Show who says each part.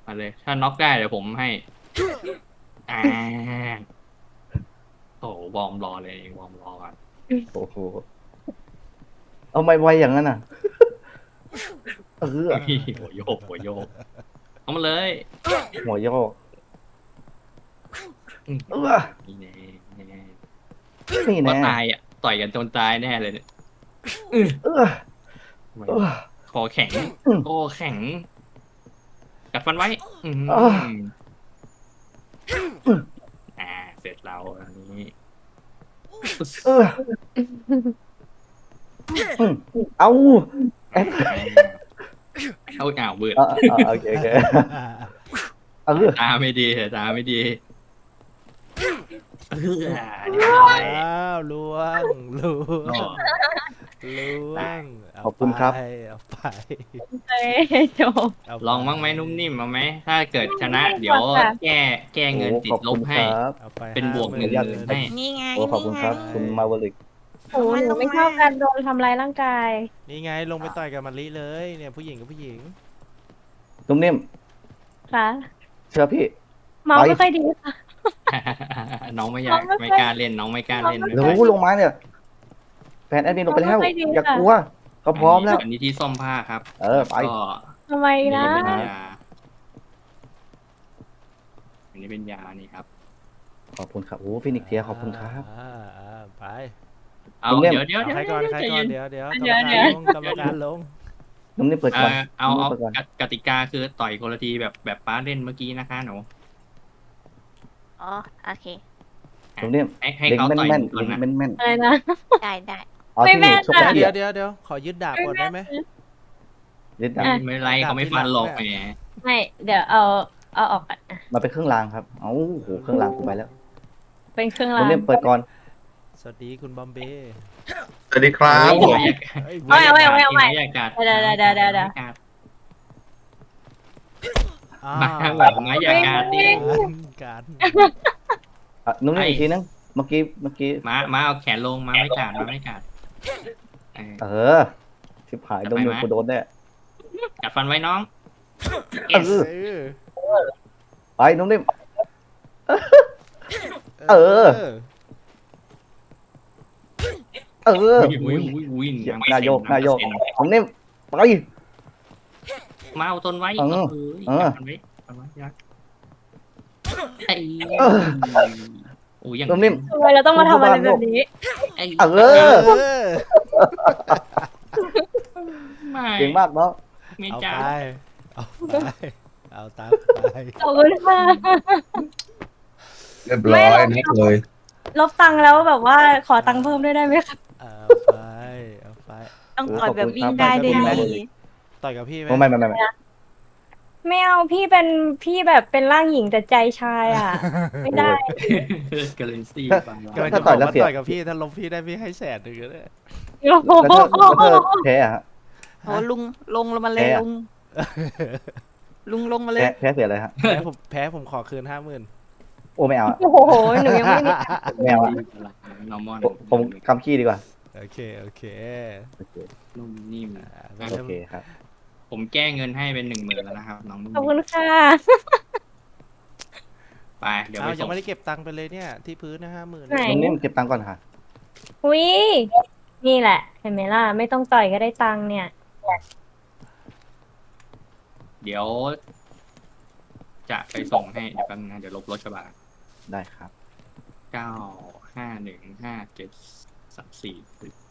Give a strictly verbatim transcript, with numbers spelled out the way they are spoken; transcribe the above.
Speaker 1: มาเลย ถ้าน็อกได้เดี๋ยวผมให้อ่าโอ้วอร์มรอเลยวอร์มรอก่อน
Speaker 2: โอ้โหเอาไม่ไวอย่างนั้นอ่ะเออ
Speaker 1: หัวโยกหัวโยกเอามาเลย
Speaker 2: หัวโยก
Speaker 1: อืม
Speaker 2: เออ
Speaker 1: นี่แน่นี่แน่
Speaker 2: นี่
Speaker 1: ก็
Speaker 2: แน่
Speaker 1: ตายอ่ะต่อยกันจนตายแน่เลยเนี่ย
Speaker 2: เออ
Speaker 1: ทำไม
Speaker 2: เออ
Speaker 1: คอแข็ง
Speaker 2: อืม
Speaker 1: คอแข็งกัดฟันไว้ อืม
Speaker 2: เออ
Speaker 1: อ่า เสร็จเราอันนี้
Speaker 2: เอออืมเอาเอ๊ะ
Speaker 1: เอาอ่าวเบิด
Speaker 2: อ่าอ่าโอเคโอเคเออ
Speaker 1: ตาไม่ดีตาไม่ดีเออเรียบ
Speaker 3: อ้
Speaker 1: ร้อย
Speaker 3: าวล่วงล่ว
Speaker 1: ก็
Speaker 3: งล่วงเา
Speaker 2: ขอบคุณครับ
Speaker 3: ไปเอาไป
Speaker 4: เอ้ยจบ
Speaker 3: เาป
Speaker 1: ลองบ้างไหมนุ่มนิ่มเอาไหมถ้าเกิดชนะ
Speaker 4: นุ่มนิ่ม
Speaker 1: เดี๋ยว
Speaker 4: ค่ะ
Speaker 1: แก้แก้เงิน
Speaker 2: โอ้
Speaker 1: ติ
Speaker 2: ข
Speaker 1: ด
Speaker 2: อบ
Speaker 1: ล
Speaker 2: คุ
Speaker 1: บ
Speaker 2: ณค
Speaker 1: ให้
Speaker 2: รับ
Speaker 3: เอาไป
Speaker 1: เป็นบวกหนึ่ง
Speaker 3: ห้า
Speaker 1: ห
Speaker 3: ห
Speaker 1: มื่น
Speaker 3: น
Speaker 1: ให้
Speaker 5: นี่ไง
Speaker 2: โอ้ขอบคุณครับ คุณมาวลิก
Speaker 4: โอ้หนูไม่ชอบการโดนทำร้ายร่างกาย
Speaker 3: นี่ไงลงไปต่อยกับมะลิเลยเนี่ยผู้หญิงกับผู้หญิง
Speaker 2: นุ่มนิ่ม
Speaker 4: ค่ะ
Speaker 2: เชื่อพี่
Speaker 4: เมา
Speaker 2: ไป
Speaker 4: ไม่ค่อยดีค่ะ
Speaker 1: น้องไม่อยาก
Speaker 4: น้องไม่
Speaker 1: ไม่
Speaker 4: ค่อย
Speaker 1: กล้าเล่นน้องไม่กล้าเล่นไม่
Speaker 2: เดี๋ยว
Speaker 1: เป็นไร
Speaker 2: ลงมาเนี่ยแฟนแอดมินลงไปแล้ว
Speaker 4: ไม่ดี
Speaker 2: อย่า
Speaker 4: ค่ะ
Speaker 2: กลัวเขาพร้อมแล้ว
Speaker 1: อันนี้ที่ซ่อมผ้าครับ
Speaker 2: เออไป
Speaker 1: ก็
Speaker 4: ทำไม
Speaker 1: อัน
Speaker 4: นะ
Speaker 1: นี้เป็นยาอันนี้เป็นยานี่ครับ
Speaker 2: ขอบคุณครับโอ้ฟินิกเทียขอบคุณครับ
Speaker 3: อ่าอ่าไป
Speaker 1: เอา
Speaker 2: คุณเล่ม
Speaker 1: เดี๋ยวเดี๋ยว
Speaker 3: เอา
Speaker 1: เดี๋ยว
Speaker 3: ใครก่อนใคร
Speaker 1: ใจ
Speaker 3: ก่อ
Speaker 1: เย็
Speaker 3: น
Speaker 1: น
Speaker 3: เดี๋ยวเดี๋ยว
Speaker 4: เดี๋ยว
Speaker 3: กรรมการลงกรรมการลง
Speaker 2: นุ่มนิ่มเปิด
Speaker 1: เอ
Speaker 2: ก่อน
Speaker 1: อเอา
Speaker 2: นุ่ม
Speaker 1: เอา
Speaker 2: นิ่มเปิดก่อน
Speaker 1: กติกาคือต่อยคนละทีแบบแบบป้าเล่นเมื่อกี้นะคะหนู
Speaker 5: อ๋อ โอเค
Speaker 2: นุ่มนิ่ม
Speaker 1: ให้ให้
Speaker 2: เล็ง
Speaker 1: เขา
Speaker 2: แม่น
Speaker 1: ต่อย
Speaker 2: แม่น
Speaker 1: หนูก่อน
Speaker 2: เล็ง
Speaker 1: นะ
Speaker 2: แม่นแม่น
Speaker 4: อะไรนะ
Speaker 5: ได้ได้
Speaker 2: เอา
Speaker 4: ไม่
Speaker 2: ที่ห
Speaker 4: แม่
Speaker 2: นู
Speaker 4: น
Speaker 2: ชก
Speaker 4: ค่ะ
Speaker 2: เกี
Speaker 3: เดี๋
Speaker 2: ย
Speaker 3: ยวเดี๋ยวเดี๋ยวขอยึดดาบก่อนได้ไหม
Speaker 2: เล่นดา
Speaker 4: อ่ะ
Speaker 2: บ
Speaker 1: ไม่เป็นไรเขาไม่ฟันหรอกแหม
Speaker 4: ไม่เดี๋ยวเอาเอาออกก่อนอ่ะ
Speaker 2: มาเป็นเครื่องรางครับเอ้าโหเครื่องรางกูไปแล้ว
Speaker 4: เป็นเครื่อง
Speaker 2: นุ่
Speaker 4: ราม ง
Speaker 2: นิ่มเปิดก่อน
Speaker 3: สวัสดีคุณบอมเบ้
Speaker 6: สวัสดีครับ
Speaker 1: ไม่อยาก
Speaker 3: เอ้ย
Speaker 4: เอาเอาเอาเอาเอา
Speaker 1: ไม่อยากกัด
Speaker 4: เดี๋ยวเดี๋ยวเดี๋ยวเดี๋ยวเดี๋ยว
Speaker 3: อ้า
Speaker 1: มาแบบไม่อยากกัดดิ
Speaker 3: การ
Speaker 2: อ่ะนุ่มนิ่ม
Speaker 1: ไอ้
Speaker 2: อีกทีนึงเมื่อกี้เมื่อกี้
Speaker 1: มามาเอาแขนลงมาไม่กัดมาไม่กัดเออ
Speaker 2: เออชิบหายนุ่มนิ่มกูโดนแน่
Speaker 1: กัดฟันไว้น้อง
Speaker 2: เออ
Speaker 3: เออ
Speaker 2: ไปนุ่มนิ่ม เออ เออ
Speaker 1: อุ้ยอุ้ยอุ้ย
Speaker 2: เหี้ย
Speaker 1: ง
Speaker 2: นายโยกนายโยก
Speaker 1: เปอร์เซ็นต์
Speaker 2: นุ่มนิ่มไป
Speaker 1: มาเอาต้นไว้
Speaker 2: เออ
Speaker 1: เออ
Speaker 2: เออ
Speaker 1: กัดฟันไว้กัดไว้ยักไอ้
Speaker 2: เออ
Speaker 1: โอ้ยอย่าง
Speaker 2: นุ่มนิ่ม
Speaker 4: ทำไมเราต้องมาทำอะไรแบบนี้
Speaker 1: ไอ้
Speaker 2: เออ
Speaker 3: เออ
Speaker 1: ไม่
Speaker 2: เก่งมากเนาะ
Speaker 1: ไม่
Speaker 3: เอา
Speaker 1: จ้า
Speaker 3: ไปเอาไปเอาตามไป
Speaker 4: ขอบคุณค่ะ
Speaker 6: เรียบร้อยนัดเลย
Speaker 4: ลบตังค์แล้วแบบว่าขอตังค์เพิ่มด้วยได้ไหมคะ
Speaker 3: เอาไปเอาไป
Speaker 5: ต้องต่อยแบบวิ่งได้ด้วยดี
Speaker 3: ต่อยกับพี่ไหม
Speaker 2: ไม่ไม่ไม่ไม่
Speaker 4: ไม่เอาพี่เป็นพี่แบบเป็นร่างหญิงแต่ใจชายอ่ะ ไม่ได้
Speaker 1: กาเลนซี่ฟัง
Speaker 3: กำลัง
Speaker 1: เรา
Speaker 3: จะบอกว่าต่อยกับพี่ถ้าลบพี่ได้พี่ให้แสนหนึ่งก็ได้
Speaker 4: โอ้โห
Speaker 2: แล้วเธอแล้วเธอแพ้อะฮะ
Speaker 5: โอ้ลุงลงลงมาเลย
Speaker 2: แพ้อะ
Speaker 5: ลุง ลุงลงมาเล
Speaker 2: แพ้
Speaker 5: ย
Speaker 2: แพ้เสียอะไรฮะ
Speaker 3: แพ้ผมแพ้ผมขอคืนห้าหมื่น
Speaker 2: โอ้ไม่เอาอะ
Speaker 4: โอ้โหหนูยังไม่มี
Speaker 2: ไม่เอาอะ
Speaker 1: นอร์มอน
Speaker 2: ผมผมคำขี้ดีกว่า
Speaker 3: โอเคโอเค
Speaker 2: โอเค
Speaker 1: นุ่มนิ่ม
Speaker 3: อ่า
Speaker 1: อ่ะ
Speaker 2: โอเคครับ
Speaker 1: ผมแก้เงินให้เป็นหนึ่งหมื่นแล้วนะครับ น้องนุ่ม
Speaker 4: ขอบคุ
Speaker 1: นิ่
Speaker 4: ณ
Speaker 1: ม
Speaker 4: ค่ะ
Speaker 1: ไปเดี๋ยว
Speaker 3: เอา
Speaker 1: ไป
Speaker 3: ยั
Speaker 1: ส่
Speaker 3: ง
Speaker 1: ง
Speaker 3: ไม่ได้เก็บตังค์ไปเลยเนี่ยที่พื้นนะห้าหมื่น
Speaker 4: ไหน
Speaker 2: นุ่มนิ่มเก็บตังค์ก่อนค่ะ
Speaker 4: อุ้ยนี่แหละ เห็นไหมล่ะ ไม่ต้องต่อยก็ได้ตังค์เนี่ย
Speaker 1: เดี๋ยว จะไปส่งให้เดี๋ยวแป๊บนึงนะเดี๋ยวลบรถกระบะ
Speaker 2: ได้ครับ
Speaker 1: เก้าห้าหนึ่งห้าเจ็ดสามสี่